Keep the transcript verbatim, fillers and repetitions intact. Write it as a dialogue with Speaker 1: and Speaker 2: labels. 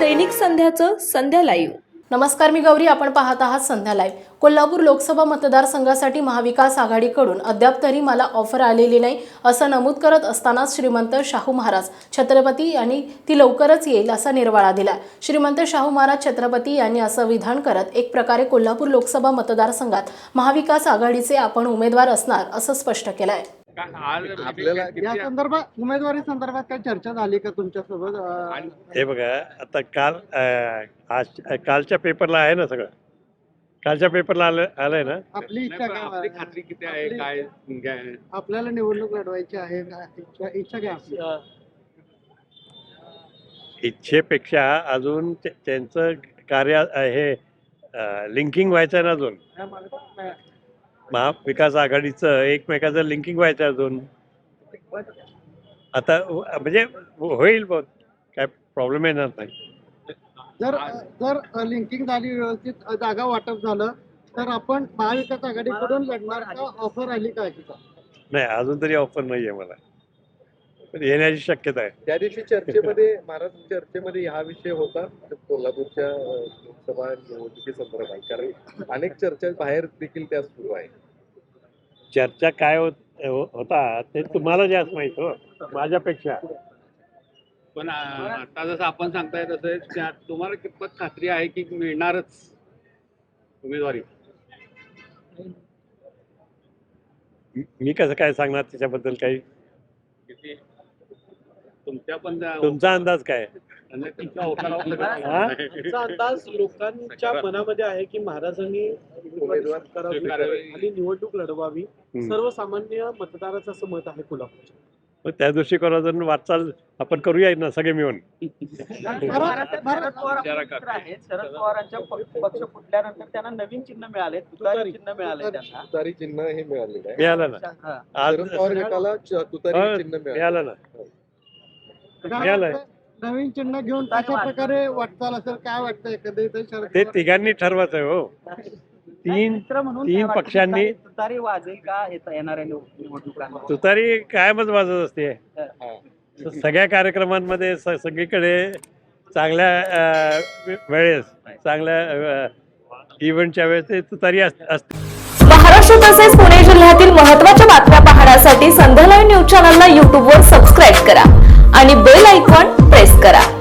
Speaker 1: दैनिक संध्याचं संध्या लाईव्ह।
Speaker 2: नमस्कार, मी गौरी, आपण पाहत आहात संध्या लाईव्ह। कोल्हापूर लोकसभा मतदारसंघासाठी महाविकास आघाडीकडून अद्याप तरी मला ऑफर आलेली नाही असं नमूद करत असतानाच श्रीमंत शाहू महाराज छत्रपती यांनी ती लवकरच येईल असा निर्वाळा दिला। श्रीमंत शाहू महाराज छत्रपती यांनी असं विधान करत एक प्रकारे कोल्हापूर लोकसभा मतदारसंघात महाविकास आघाडीचे आपण उमेदवार असणार असं स्पष्ट केलं आहे।
Speaker 3: आपल्याला या संदर्भात उमेदवारी संदर्भात काही चर्चा झाली का तुमच्यासोबत?
Speaker 4: हे बघा, आता काल आज कालच्या पेपरला आहे ना, सगळं कालच्या पेपरला आलं आलंय ना।
Speaker 3: आपली इच्छा काय?
Speaker 5: आपली खात्री किती आहे? काय
Speaker 3: आपल्याला निवडणूक लढवायची आहे का? इच्छा काय आपली?
Speaker 4: इच्छेपेक्षा अजून त्यांचं कार्य हे लिंकिंग व्हायचं आहे ना अजून। महाविकास आघाडीचं एकमेकाचं लिंकिंग व्हायचं अजून। आता म्हणजे होईल, बहुत काय प्रॉब्लेम येणार नाही।
Speaker 3: जर जर लिंकिंग झाली, व्यवस्थित जागा वाटप झालं तर आपण महाविकास आघाडीकडून लढणार का? ऑफर आली का?
Speaker 4: नाही, अजून तरी ऑफर नाही आहे मला, पण येण्याची शक्यता आहे।
Speaker 5: त्या दिवशी चर्चेमध्ये महाराज चर्चेमध्ये हा विषय होता कोल्हापूरच्या लोकसभा निवडणुकी संदर्भात, कारण अनेक चर्चा बाहेर देखील त्या सुरू आहे।
Speaker 4: चर्चा काय होत होता ते तुम्हाला जास्त माहित हो माझ्यापेक्षा।
Speaker 5: पण आता जसं आपण सांगताय तसं तुम्हाला कितपत खात्री आहे की मिळणारच उमेदवारी?
Speaker 4: मी कसं काय सांगणार त्याच्याबद्दल? काही
Speaker 5: तुमच्या पण
Speaker 4: तुमचा अंदाज काय?
Speaker 6: आमचा अंदाज लोकांच्या मनामध्ये आहे की महाराजांनी उमेदवार करावी आणि निवडणूक लढवावी, सर्वसामान्य मतदाराचं असं मत आहे कोल्हापूरच्या।
Speaker 4: मग त्या दृष्टिकोनातून वाटचाल आपण करूया ना सगळे मिळून।
Speaker 7: शरद पवारांच्या पक्ष फुटल्यानंतर त्यांना नवीन चिन्ह मिळाले, तुतारी चिन्ह मिळाले, त्यांना
Speaker 5: तुतारी चिन्ह हे मिळालेलं आहे।
Speaker 4: मिळालं ना आज,
Speaker 5: शरद पवार गटाला तुतारी चिन्ह
Speaker 4: मिळालं ना, मिळालंय।
Speaker 3: नवीन चिन्ह घेऊन कशा प्रकारे वाटचाल असेल, काय वाटतं? एखादं
Speaker 4: ते तिघांनी ठरवायचं आहे हो। तीन तीन पक्षांनी
Speaker 7: तुतारी वाजेल का येणाऱ्या निवडणुकांना?
Speaker 4: तुतारी कायमच वाजत असते सगळ्या कार्यक्रमांमध्ये, सगळीकडे चांगल्या वेळेस, चांगल्या इव्हेंटच्या वेळेस ते तुतारी असते।
Speaker 1: महाराष्ट्र तसेच पुणे जिल्ह्यातील महत्त्वाच्या बातम्या पाहण्यासाठी संध्या लाईव्ह न्यूज चॅनलला यूट्यूबवर सबस्क्राईब करा आणि बेल आयकॉन प्रेस करा।